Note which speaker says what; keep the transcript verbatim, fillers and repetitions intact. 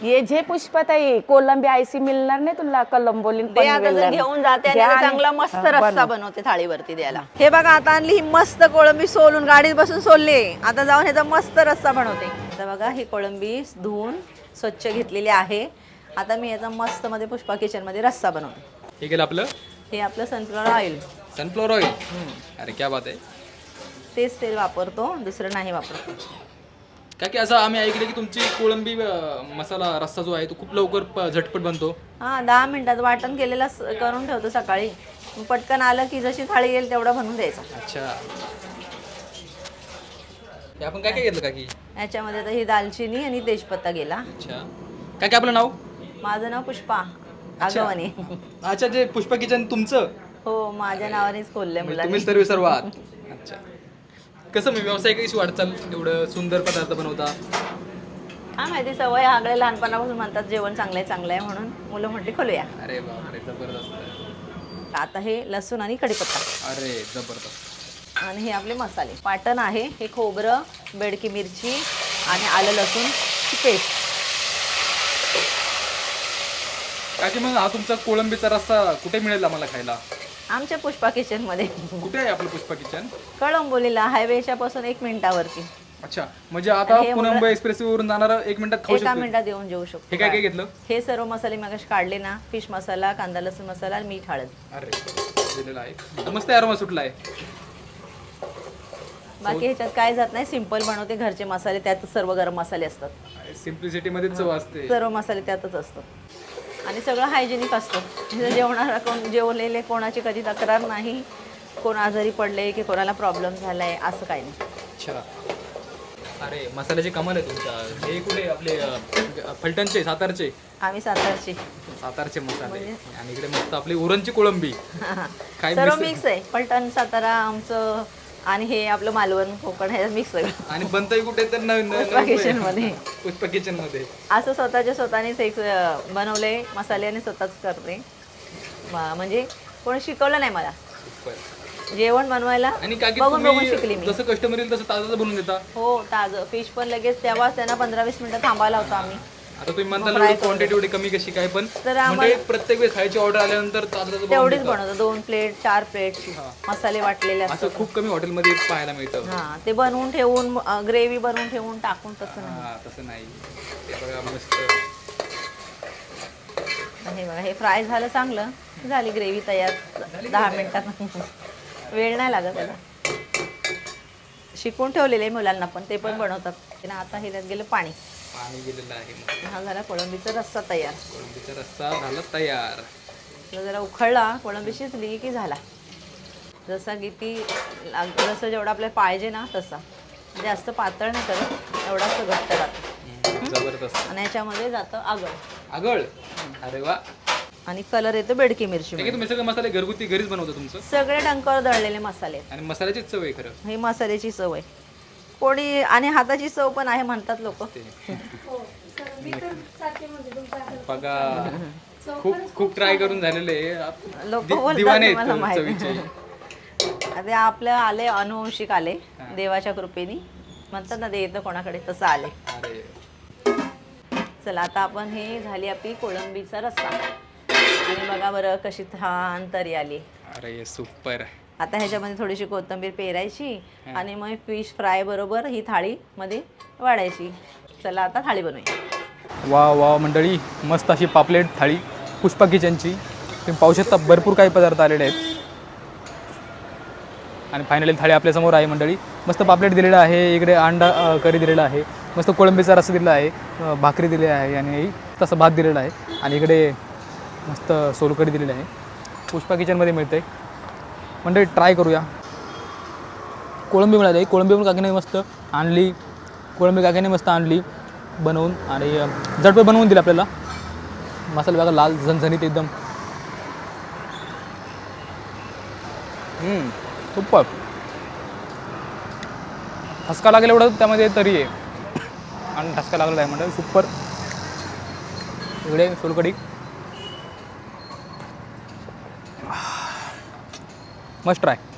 Speaker 1: ये जे पुष्पाताई कोलंबी आयसी मिळणार नाही तुला कलंबोली
Speaker 2: ते आता जर घेऊन जाते आणि आता चांगला मस्त रस्सा बनवते थाळीवरती द्यायला. हे बघा आता आणली ही मस्त कोळंबी सोलून गाडीत बसून सोलली. आता जाऊन ह्याचा मस्त रस्सा बनवते. आता बघा ही कोळंबी धुवून स्वच्छ घेतलेली आहे. आता मी याचा मस्त मध्ये पुष्पा किचन मध्ये रस्सा बनवते.
Speaker 3: हे केलं आपलं
Speaker 2: हे आपलं सनफ्लॉवर ऑइल.
Speaker 3: Sunflower oil. अरे क्या बात आहे.
Speaker 2: तेच तेल वापरतो, दुसरं नाही वापरतो.
Speaker 3: का की असं आम्ही ऐकलं की तुमची कोळंबी अं, मसाला रस्सा जो आहे तो खूप लवकर प- झटपट बनतो.
Speaker 2: हा दहा मिनिटात वाटण केलेला स- करून ठेवतो सकाळी. मग पटकन आलं की जशी थाळी येईल तेवढा बनवून द्यायचा.
Speaker 3: अच्छा. हे आपण काय काय घेतलं काकी?
Speaker 2: याच्यामध्ये आता ही दालचिनी आणि तेजपत्ता गेला.
Speaker 3: अच्छा. काय काय आपलं नाव?
Speaker 2: माझं नाव पुष्पा आगवणे.
Speaker 3: अच्छा, जे पुष्पा किचन तुमचं?
Speaker 2: हो माझ्या नावानेच खोललंय
Speaker 3: म्हणजे
Speaker 2: मुलांनी.
Speaker 3: तुम्ही सर्व सर्व आहात. अच्छा. कसं मी व्यवसाय कशी वाटचाल एवढं सुंदर पदार्थ बनवता?
Speaker 2: हा माहिती सवय आगळे लहानपणापासून म्हणतात जेवण चांगलं आहे चांगलं आहे म्हणून मुलं म्हटली खोलूया.
Speaker 3: अरे बापरे जबरदस्त.
Speaker 2: आता हे लसूण आणि कढीपत्ता
Speaker 3: अरे जबरदस्त.
Speaker 2: आणि हे आपले मसाले. वाटण आहे हे खोबरं, बेडकी मिरची आणि आलं लसूणची पेस्ट.
Speaker 3: काकी मग हा तुमचा कोळंबीचा रस्सा कुठे मिळेल आम्हाला खायला?
Speaker 2: आमच्या पुष्पा किचन मध्ये
Speaker 3: कुठे आहे आपलं पुष्पा किचन?
Speaker 2: कळंबोलीला हायवेच्या पासून एक मिनिटावरती.
Speaker 3: अच्छा, म्हणजे आता
Speaker 2: हे
Speaker 3: पुणे मुंबई एक्सप्रेस वरून जाणार एक मिनिटात खाऊ
Speaker 2: एका
Speaker 3: शकतो?
Speaker 2: मिनिटात येऊन जेवू शकतो.
Speaker 3: हे काय काय घेतलं?
Speaker 2: हे सर्व मसाले मगाशी काढले ना, फिश मसाला, कांदा लसूण मसाला, मीठ, हळद.
Speaker 3: अरे दिलेला आहे मस्त अरोमा सुटला आहे.
Speaker 2: बाकी ह्याच्यात काय जात नाही, सिंपल बनवते. घरचे मसाले त्यातच सर्व गरम मसाले असतात.
Speaker 3: सिम्प्लिसिटी मध्ये चव असते.
Speaker 2: सर्व मसाले त्यातच असतात आणि सगळं हायजेनिक असतं. इथं जेवणारा कोण जेवलेले कोणाची कधी तक्रार नाही, कोण आजारी पडले की कोणाला प्रॉब्लेम झालाय असं काही नाही.
Speaker 3: अच्छा. अरे मसाल्याचे कमाल आहे तुमच्या. हे कुठे आपले अं, फलटणचे सातारचे?
Speaker 2: आम्ही सातारची.
Speaker 3: सातारचे मसाले आणि इकडे मस्त आपली उरणची कोळंबी. काय
Speaker 2: सर्व
Speaker 3: मिस-
Speaker 2: मिक्स आहे. पलटण सातारा आमचं आणि हे आपलं मालवण कोकण हे मिक्स सगळं.
Speaker 3: आणि बनतंय कुठे तर नवीन
Speaker 2: पुष्पा किचन मध्ये.
Speaker 3: पुष्पा किचन मध्ये.
Speaker 2: असं स्वतःच्या स्वतःनेच एक अं, बनवले मसाले आणि स्वतःच करते. म- म्हणजे कोणी शिकवलं नाही मला जेवण बनवायला.
Speaker 3: आणि काकी
Speaker 2: बघून बघून शिकली
Speaker 3: तुम्ही
Speaker 2: मी.
Speaker 3: जसं कस्टमर येईल तसं ताजं बनवून देता?
Speaker 2: हो ताजं फिश पण लगेच तेव्हाच त्यांना पंधरा वीस मिनिटं थांबायला होतो आम्ही.
Speaker 3: आता तुम्ही म्हणता क्वांटिटी एवढी कमी कशी काय, पण
Speaker 2: तर
Speaker 3: म्हणजे प्रत्येक वेळेस खायची ऑर्डर आल्यानंतर ताजं ताजं बनवून
Speaker 2: तेवढीच
Speaker 3: देता.
Speaker 2: बनवतो. दोन प्लेट चार प्लेट मसाले वाटलेले असतात.
Speaker 3: असं खूप कमी हॉटेलमध्ये पाहायला मिळतं.
Speaker 2: हा ते बनवून ठेवून ग्रेव्ही बनवून ठेवून टाकून तसं नाही.
Speaker 3: हा तसं नाही. ते बघा मस्त.
Speaker 2: हे बघा हे फ्राय झालं चांगलं, झाली ग्रेव्ही तयार दहा मिनिटात. वेळ नाही लागत त्याला. शिकून ठेवलेले मुलांना पण ते पण बनवतात. आणि आता हे त्यात गेलं पाणी.
Speaker 3: पाणी गेलेलं आहे मस्त.
Speaker 2: हा झाला कोळंबीचा रस्सा तयार.
Speaker 3: कोळंबीचा रस्सा झाला तयार.
Speaker 2: आपला जरा उखळला कोळंबी शिजली की झाला. जसा किती लाग- जसं जेवढं आपल्याला पाहिजे ना तसा. जास्त पातळ नाही करत, एवढाच घट्ट राहतं.
Speaker 3: जबरदस्त.
Speaker 2: आणि याच्यामध्ये जातं आगळ
Speaker 3: आगळ. अरे वा.
Speaker 2: आणि कलर येतो बेडकी मिरची.
Speaker 3: ठीक आहे, तुम्ही सगळे मसाले घरगुती घरीच बनवता तुमचं?
Speaker 2: सगळे डंकावर दळलेले मसाले आहेत.
Speaker 3: आणि मसाल्याचीच चव आहे खरं.
Speaker 2: ही मसाल्याची चव आहे. कोणी आणि हाताची चव पण आहे म्हणतात लोक.
Speaker 3: बघा खूप खूप ट्राय करून झालेले
Speaker 2: लोक
Speaker 3: दि-
Speaker 2: बोलतात
Speaker 3: दिवाने
Speaker 2: की मला
Speaker 3: आहेत
Speaker 2: माहिती.
Speaker 3: चवीचे.
Speaker 2: ते आपलं आले अनुवंशिक आले देवाच्या कृपेने. म्हणतात ना ते येतं कोणाकडे तसं आले.
Speaker 3: अरे
Speaker 2: चला आता आपण हे झाली आपली कोळंबीचा रस्सा. आणि बघा बरं कशी छान तरी आली.
Speaker 3: अरे सुपर.
Speaker 2: आता ह्याच्यामध्ये थोडीशी कोथिंबीर पेरायची आणि मग फिश फ्राय बरोबर ही थाळी मध्ये वाढायची. चला आता थाळी बनवूया.
Speaker 3: वा वा मंडळी, मस्त अशी पापलेट थाळी पुष्पा किचनची. तुम्ही पाहू शकता भरपूर काही पदार्थ आलेले आहेत. आणि फायनली थाळी आपल्यासमोर आहे मंडळी. मस्त पापलेट दिलेलं आहे, इकडे अंडा अ, करी दिलेला आहे, मस्त कोळंबीचा रस्सा दिलेला आहे, अ, भाकरी दिली आहे आणि तसं भात दिलेला आहे. आणि इकडे मस्त सोलकढी दिलेली आहे. पुष्पा किचनमध्ये मिळते मंडळी. ट्राय करूया. कोळंबी मिळाली, कोळंबी पण काकीने मस्त आणली. कोळंबी काकीने मस्त आणली बनवून आणि अ, झटपट बनवून दिली आपल्याला. मसाला बघा लाल झणझणीत एकदम. सुपर. ठसका लागेल एवढं त्यामध्ये तरी आहे. आणि ठसका लागलेला आहे म्हणजे सुपर. इकडे सोलकढी मस्ट ट्राय.